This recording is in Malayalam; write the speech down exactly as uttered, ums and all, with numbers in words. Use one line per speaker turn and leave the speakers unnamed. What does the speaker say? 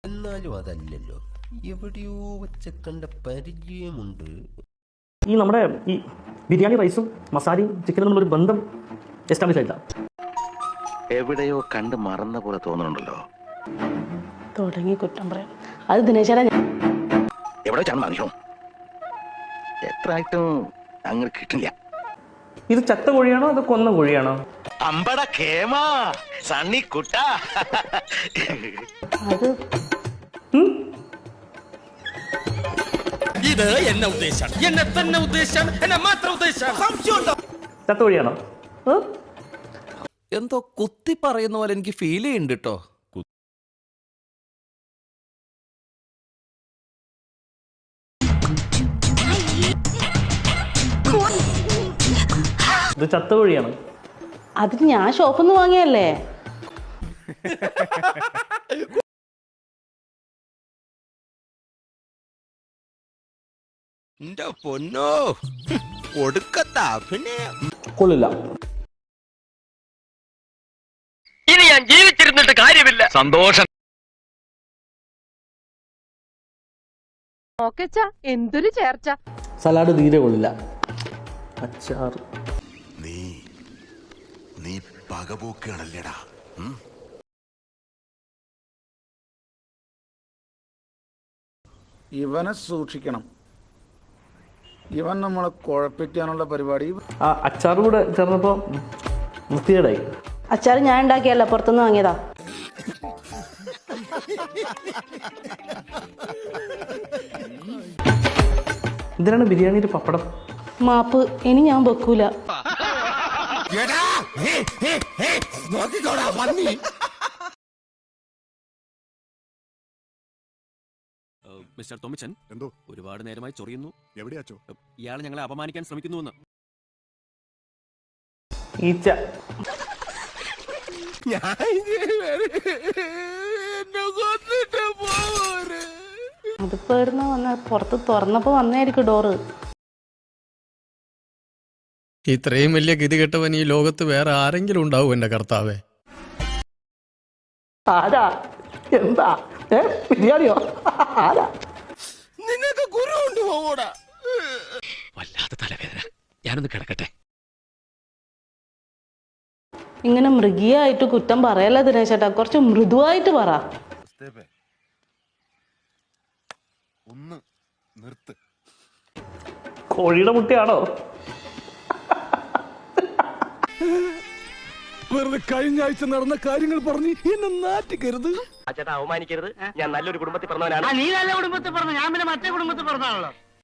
എന്നാലും അതല്ലല്ലോ, എവിടെയോ വെച്ച കണ്ട പരിചയമുണ്ട്.
ഈ നമ്മുടെ ഈ ബിരിയാണി റൈസും മസാലയും ചിക്കനും തമ്മിലൊരു ബന്ധം എസ്റ്റാബ്ലിഷ് ആയില്ല.
എവിടെയോ കണ്ട് മറന്ന പോലെ തോന്നുന്നുണ്ടല്ലോ.
തുടങ്ങി കുറ്റം പറയാം. അത് ദിനേശാ
എവിടെ വെച്ചാണ് മനുഷ്യോ എത്ര ആയിട്ടും അങ്ങനെ കിട്ടില്ല.
ഇത് ചത്ത കോഴിയാണോ അത് കൊന്ന കോഴിയാണോ?
അമ്പട കേമാ സണ്ണി കുട്ട.
അത്
ഇത് എന്നെ ഉദ്ദേശം, എന്നെ തന്നെ ഉദ്ദേശം, എന്നെ മാത്രം ഉദ്ദേശം.
ചത്ത കോഴിയാണോ?
എന്തോ കുത്തി പറയുന്ന പോലെ എനിക്ക് ഫീൽ ചെയ്യുന്നുണ്ട് കേട്ടോ.
ഇത് ചത്ത കോഴിയാണ്.
അത് ഞാൻ ഷോപ്പിൽ നിന്ന് വാങ്ങിയല്ലേ.
പൊന്നോ ഒടുക്കത്താ പിന്നെ
കൊള്ളില്ല.
ഇനി ഞാൻ ജീവിച്ചിരുന്നിട്ട് കാര്യമില്ല. സന്തോഷം.
എന്തൊരു ചേർച്ച.
സലാഡ് തീരെ കൊള്ളില്ല. അച്ചാർ
നീ നീ പകപോക്കാണല്ലേടാ.
ഇവനെ സൂക്ഷിക്കണം, ഇവൻ നമ്മളെ കുഴപ്പിക്കാനുള്ള പരിപാടി.
ആ അച്ചാർ കൂടെ ചേർന്നപ്പോ വൃത്തികേടായി.
അച്ചാർ ഞാൻ ഉണ്ടാക്കിയല്ല, പുറത്തുനിന്ന് വാങ്ങിയതാ.
എന്തിനാണ് ബിരിയാണിയിൽ പപ്പടം?
മാപ്പ്, ഇനി ഞാൻ വെക്കൂല.
മിസ്റ്റർ തോമച്ചൻ,
എന്തോ
ഒരുപാട് നേരമായി ചൊറിയുന്നു.
എവിടെയാച്ചോ?
ഇയാൾ ഞങ്ങളെ അപമാനിക്കാൻ ശ്രമിക്കുന്നുവെന്ന്.
ഈച്ച.
അതിപ്പോ ഇവിടുന്ന് വന്ന പുറത്ത് തുറന്നപ്പോ വന്നായിരിക്കും ഡോറ്.
ഇത്രയും വലിയ ഗതികെട്ടവൻ ഈ ലോകത്ത് വേറെ ആരെങ്കിലും ഉണ്ടാവും എന്റെ കർത്താവേ?
ആരാ? എന്താ? ഏ ബിരിയാണിയോ? ആരാ?
നിങ്ങൾക്ക് ഗുരു കൊണ്ടുപോകൂടാ.
വല്ലാത്ത തലവേദന. ഞാനൊന്ന് കിടക്കട്ടെ.
ഇങ്ങനെ മൃഗീയായിട്ട് കുറ്റം പറയല്ല ദിനേശേട്ടാ, കുറച്ച് മൃദുവായിട്ട് പറ.
ഒന്ന് നിർത്ത്.
കോഴിയുടെ മുട്ടയാണോ?
വെറുതെ കഴിഞ്ഞ ആഴ്ച നടന്ന കാര്യങ്ങൾ പറഞ്ഞ് എന്നെ നാറ്റിക്കരുത്.
ചേട്ടാ അവമാനിക്കരുത്. ഞാൻ നല്ലൊരു കുടുംബത്തിൽ പറഞ്ഞവനാണ്. നീ നല്ല കുടുംബത്തിൽ പറഞ്ഞു, ഞാൻ പിന്നെ മറ്റേ കുടുംബത്തിൽ പറഞ്ഞാണല്ലോ.